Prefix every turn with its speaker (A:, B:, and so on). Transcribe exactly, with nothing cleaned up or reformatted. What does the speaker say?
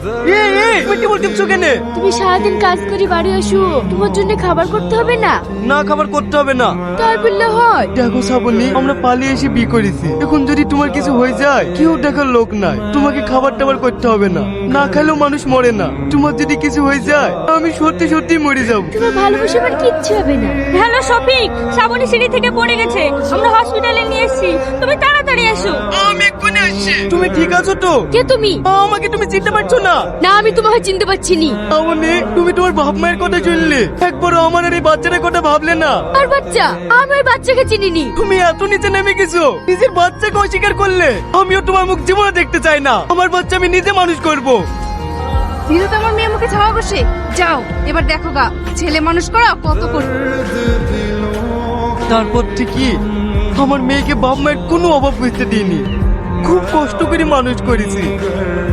A: এই এই তুমি টেবিল টিপছো কেন?
B: তুমি সারাদিন কাজ করে বাড়ি আসো, তোমার জন্য খাবার করতে হবে না?
A: না, খাবার করতে হবে না।
B: তাই বললে হয়?
A: দেখো শ্রাবণী, আমরা পালিয়ে এসে বিয়ে করেছি। এখন যদি তোমার কিছু হয়ে যায়, কেউ দেখার লোক নাই। তোমাকে খাবার টাবার করতে হবে না। না খেলেও মানুষ মরে না। তোমার যদি কিছু হয়ে যায়, আমি সত্যি সত্যি মরে যাব।
B: তোমার ভালোবাসা আমার কিচ্ছু হবে না।
C: হ্যালো শফিক, শ্রাবণী সিঁড়ি থেকে পড়ে গেছে, আমরা হসপিটালে নিয়ে এসেছি, তুমি তাড়াতাড়ি এসো।
A: আমি এক্ষুনি আসছি। তুমি ঠিক আছো তো?
B: কে তুমি?
A: আমাকে তুমি চিনতে পারছো না?
B: না, আমি তোমাকে চিনতে পারছি নি।
A: শ্রাবণী, তুমি তোমার বাপ মায়ের কথা শুনলে, একবারও আমার আর এই বাচ্চাটার কথা ভাবলে না।
B: আর বাচ্চা? আমি ওই বাচ্চাকে চিনিনি।
A: তুমি এত নিচে নেমে গেছো, নিজের বাচ্চাকে অস্বীকার করলে। আমিও তোমার মুখ জীবনে দেখতে চাই না। আমার বাচ্চা আমি নিজে মানুষ করব।
D: দিদা তো আমার মেয়ে মুখে ছাওয়া বসে। যাও এবার দেখো গা, ছেলে মানুষ করা কত কষ্ট।
A: তারপর থেকে আমার মেয়েকে বাপ মায়ের কোনো অভাব বুঝতে দিইনি। খুব কষ্ট করে মানুষ করেছি।